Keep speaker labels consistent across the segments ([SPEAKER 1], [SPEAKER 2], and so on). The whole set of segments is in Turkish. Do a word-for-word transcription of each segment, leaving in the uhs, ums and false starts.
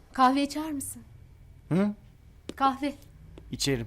[SPEAKER 1] Kahve içer misin?
[SPEAKER 2] Hı?
[SPEAKER 1] Kahve.
[SPEAKER 2] İçerim.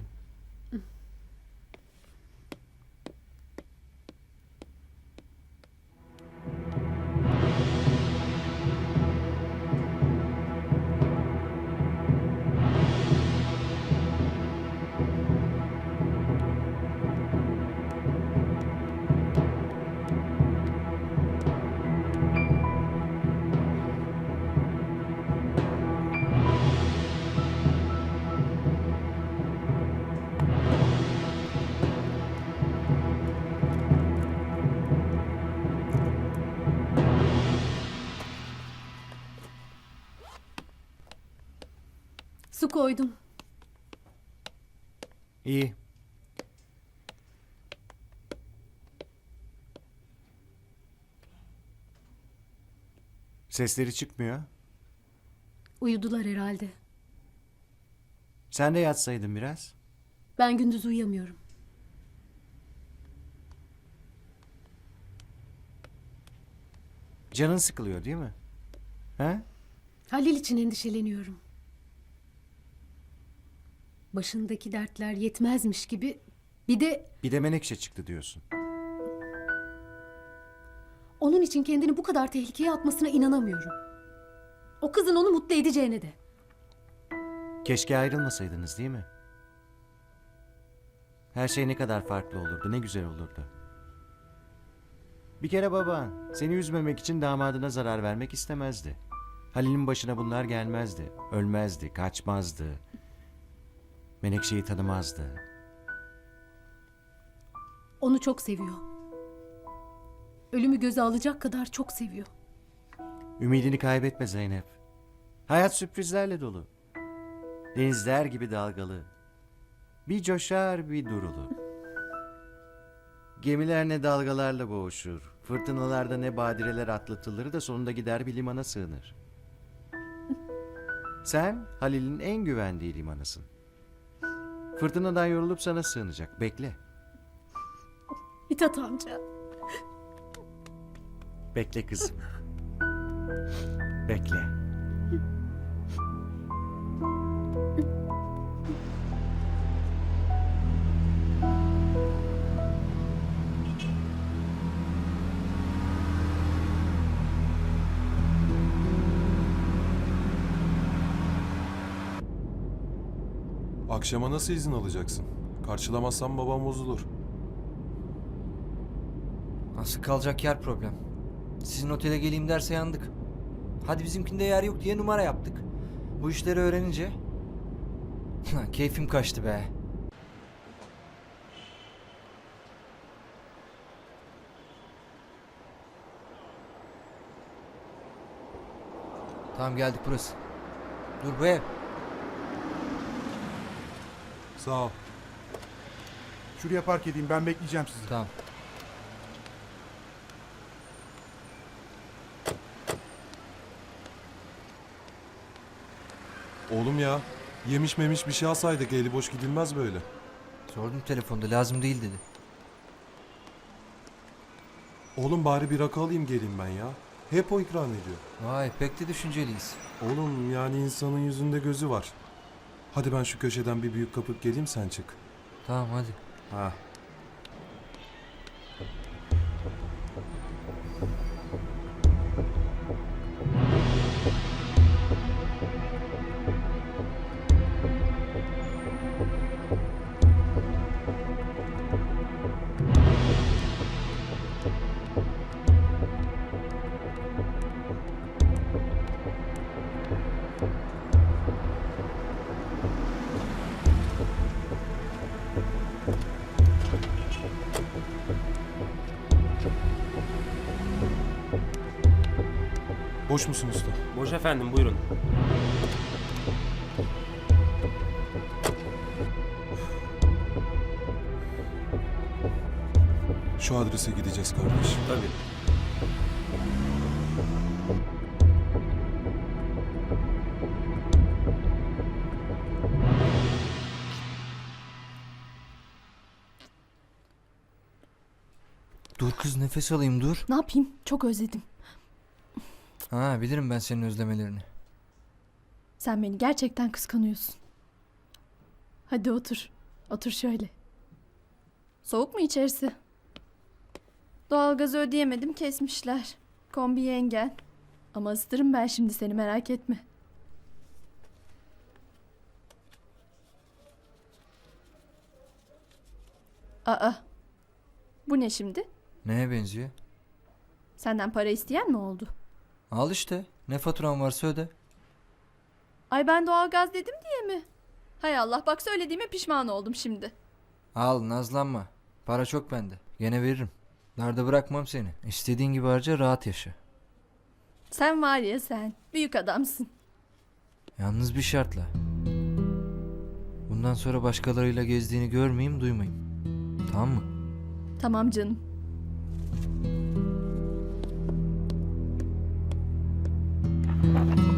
[SPEAKER 1] Su koydum.
[SPEAKER 2] İyi. Sesleri çıkmıyor.
[SPEAKER 1] Uyudular herhalde.
[SPEAKER 2] Sen de yatsaydın biraz.
[SPEAKER 1] Ben gündüz uyuyamıyorum.
[SPEAKER 2] Canın sıkılıyor değil mi? He?
[SPEAKER 1] Halil için endişeleniyorum. Başındaki dertler yetmezmiş gibi bir de
[SPEAKER 2] Bir de Menekşe çıktı diyorsun.
[SPEAKER 1] onun için kendini bu kadar tehlikeye atmasına inanamıyorum. O kızın onu mutlu edeceğine de.
[SPEAKER 2] Keşke ayrılmasaydınız değil mi? Her şey ne kadar farklı olurdu, ne güzel olurdu. Bir kere baban seni üzmemek için damadına zarar vermek istemezdi. Halil'in başına bunlar gelmezdi. Ölmezdi, kaçmazdı. Menekşe'yi tanımazdı.
[SPEAKER 1] Onu çok seviyor. Ölümü göze alacak kadar çok seviyor.
[SPEAKER 2] Ümidini kaybetme Zeynep. Hayat sürprizlerle dolu. Denizler gibi dalgalı. Bir coşar bir durulur. Gemiler ne dalgalarla boğuşur. Fırtınalarda ne badireler atlatılır da sonunda gider bir limana sığınır. Sen Halil'in en güvendiği limanısın. Fırtınadan yorulup sana sığınacak. Bekle.
[SPEAKER 1] Mithat amca.
[SPEAKER 2] Bekle kızım. Bekle.
[SPEAKER 3] Akşama nasıl izin alacaksın? Karşılamazsan babam bozulur.
[SPEAKER 4] Nasıl kalacak yer problem. Sizin otele geleyim derse yandık. Hadi bizimkinde yer yok diye numara yaptık. Bu işleri öğrenince... Keyfim kaçtı be. Tamam geldik burası. Dur bu ev.
[SPEAKER 3] Sağ ol.
[SPEAKER 5] Şuraya park edeyim, ben bekleyeceğim sizi.
[SPEAKER 4] Tamam.
[SPEAKER 3] Oğlum ya, yemiş memiş bir şey alsaydık, eli boş gidilmez böyle.
[SPEAKER 4] Sordum telefonda, lazım değil dedi.
[SPEAKER 3] Oğlum bari bir rakı alayım geleyim ben ya. Hep o ikram ediyor.
[SPEAKER 4] Vay pek de düşünceliyiz.
[SPEAKER 3] Oğlum yani insanın yüzünde gözü var. Hadi ben şu köşeden bir büyük kapıp geleyim, sen çık.
[SPEAKER 4] Tamam hadi.
[SPEAKER 3] Ha. Boş musun usta?
[SPEAKER 6] Boş efendim, buyurun.
[SPEAKER 3] Şu adrese gideceğiz kardeş.
[SPEAKER 6] Tabii.
[SPEAKER 4] Dur kız nefes alayım dur.
[SPEAKER 1] Ne yapayım? Çok özledim.
[SPEAKER 4] Ha bilirim ben senin özlemelerini.
[SPEAKER 6] Sen beni gerçekten kıskanıyorsun. Hadi otur. Otur şöyle. Soğuk mu içerisi? Doğalgazı ödeyemedim, kesmişler. Kombi yengen. Ama ısıtırım ben şimdi seni, merak etme. Aa. Bu ne şimdi?
[SPEAKER 4] Neye benziyor?
[SPEAKER 6] Senden para isteyen mi oldu?
[SPEAKER 4] Al işte. Ne faturan varsa öde.
[SPEAKER 6] Ay ben doğalgaz dedim diye mi? Hay Allah, bak söylediğime pişman oldum şimdi.
[SPEAKER 4] Al, nazlanma. Para çok bende. Gene veririm. Darda bırakmam seni. İstediğin gibi harca, rahat yaşa.
[SPEAKER 6] Sen var ya sen, büyük adamsın.
[SPEAKER 4] Yalnız bir şartla. Bundan sonra başkalarıyla gezdiğini görmeyeyim, duymayayım. Tamam mı?
[SPEAKER 6] Tamam canım.
[SPEAKER 3] Hadi